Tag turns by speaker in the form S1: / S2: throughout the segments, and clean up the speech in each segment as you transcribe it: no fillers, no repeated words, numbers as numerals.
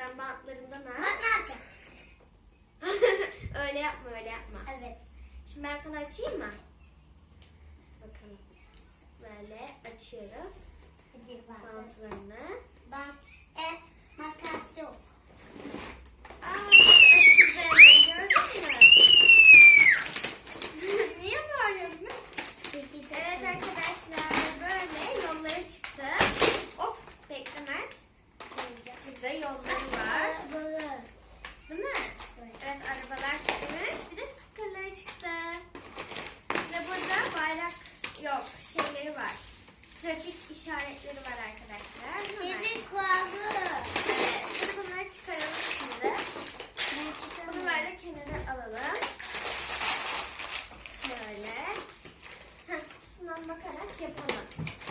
S1: Şuradan bantlarından
S2: Ben
S1: aç.
S2: ne yapacağım?
S1: Öyle yapma, öyle yapma.
S2: Evet.
S1: Şimdi ben sana açayım mı? Bakalım. Böyle açıyoruz.
S2: Hadi bakalım.
S1: Bantlarını.
S2: Bak. Makas yok.
S1: Aa, açıldı hemen, gördün mü? Niye bağırıyorsun? Evet arkadaşlar, böyle yolları çıktı. Of, bekle Mert. Burada yolları var. Değil mi? Evet, arabalar çıkmış. Bir de stickerları çıktı. Ve burada bayrak yok, şeyleri var. Trafik işaretleri var arkadaşlar. Değil mi Mert?
S2: Bebek kulağı.
S1: Evet, şimdi bunları çıkaralım şimdi. Bunu böyle kenara alalım. Şöyle. Kutusundan bakarak yapalım.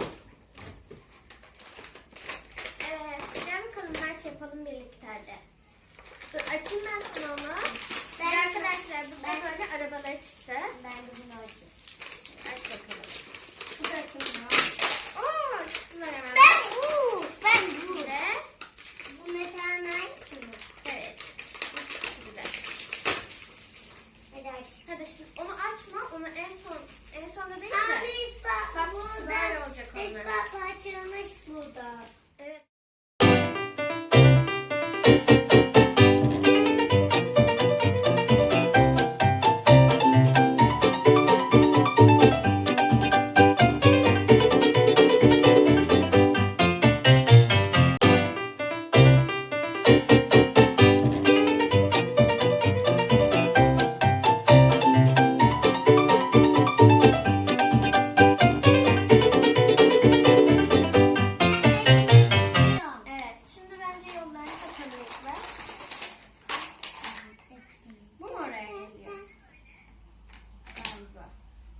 S1: Evet, gel bakalım Mert, yapalım birlikte hadi. Dur, açayım ben sana onu. Arkadaşlar burada böyle arabaları çıktı.
S2: Ben de bunu açayım.
S1: Aç bakalım.
S2: Bu da açayım.
S1: Oo, çıktılar hemen.
S2: Ben bu.
S1: Ve
S2: Bu mesela hangisi mi?
S1: evet. Bir de.
S2: Hadi aç.
S1: Hadi şimdi onu açma. Onu en sonda değil de.
S2: Abi bak
S1: Bak,
S2: burada.
S1: böyle olacak onlar.
S2: Bak açılmış burada.
S1: Evet. Evet, şimdi bence yollarını takalım ilk baş. Bu mu oraya geliyor? Galiba.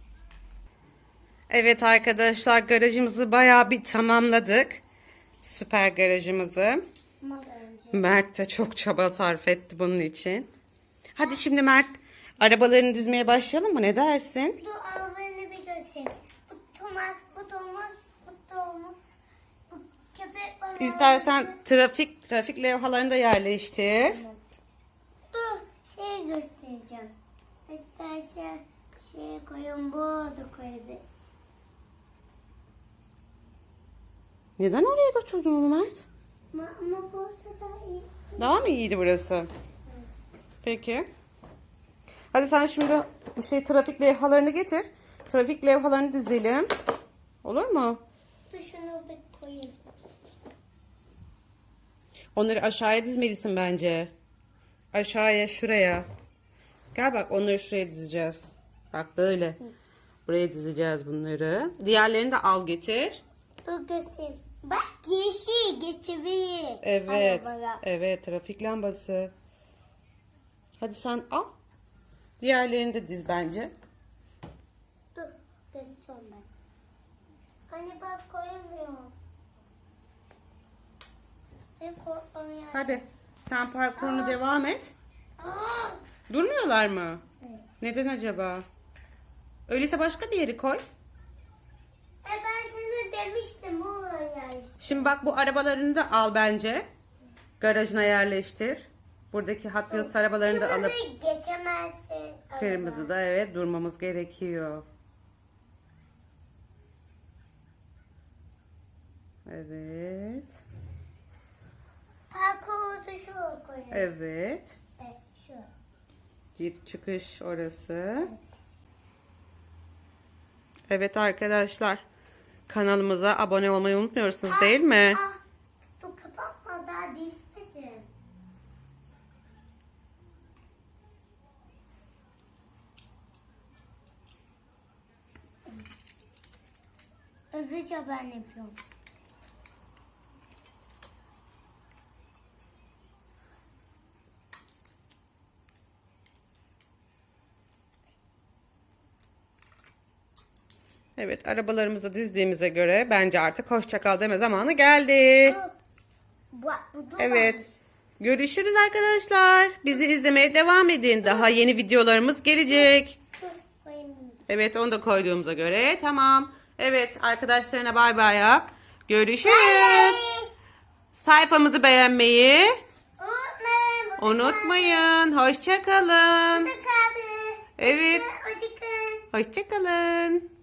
S3: Evet arkadaşlar, garajımızı bayağı bir tamamladık. Süper garajımızı.
S2: Ama önce.
S3: Mert de çok çaba sarf etti bunun için. Hadi şimdi Mert, arabalarını dizmeye başlayalım mı? Ne dersin?
S2: Bu arabanı bir göstereyim. Bu Thomas, bu Thomas, bu Thomas. Bu köpek balığı.
S3: İstersen trafik levhalarını da yerleştir.
S2: Dur şey göstereceğim. İstersen şey koyun, bu da koyabiliriz.
S3: Neden oraya götürdün onu Mert?
S2: Ama bu da iyi.
S3: Daha mı iyiydi burası? Peki. Hadi sen şimdi trafik levhalarını getir. Trafik levhalarını dizelim. Olur mu?
S2: Dur şunu bir koyayım.
S3: Onları aşağıya dizmelisin bence. Aşağıya, şuraya. Gel bak, onları şuraya dizeceğiz. Bak böyle. Buraya dizeceğiz bunları. Diğerlerini de al getir.
S2: Dur göstereyim. Bak yeşil geçirir.
S3: Evet.
S2: Arabaya.
S3: Evet, trafik lambası. Hadi sen al. Diğerlerini de diz bence.
S2: Dur göstereyim ben. Hani bak koyamıyorum.
S3: Hadi sen parkurunu devam et.
S2: Aa!
S3: Durmuyorlar mı?
S2: Evet.
S3: Neden acaba? Öyleyse başka bir yere koy.
S2: Ben sana demiştim bu işte.
S3: Şimdi bak, bu arabalarını da al bence. Garajına yerleştir. Buradaki Hot Wheels arabalarını da alıp
S2: Kırmızıyı geçemezsin.
S3: kırmızı da evet durmamız gerekiyor. Evet.
S2: Parkuru şu koyalım.
S3: Evet.
S2: Evet şu.
S3: Gir çıkış orası. Evet arkadaşlar. Kanalımıza abone olmayı unutmuyorsunuz değil mi?
S2: Bu kapatma daha dizmedim. Hızlıca ben yapıyorum.
S3: Evet, arabalarımızı dizdiğimize göre bence artık hoşça kal deme zamanı geldi.
S2: Bu
S3: Evet. Görüşürüz arkadaşlar. Bizi izlemeye devam edin. Daha yeni videolarımız gelecek. Evet, onu da koyduğumuza göre tamam. Evet, arkadaşlarına bay bay yap. Görüşürüz. Sayfamızı beğenmeyi, Unutmayın. Hoşça kalın.
S2: Burada kaldı.
S3: Evet.
S2: Hoşçakalın.
S3: Hoşça kalın.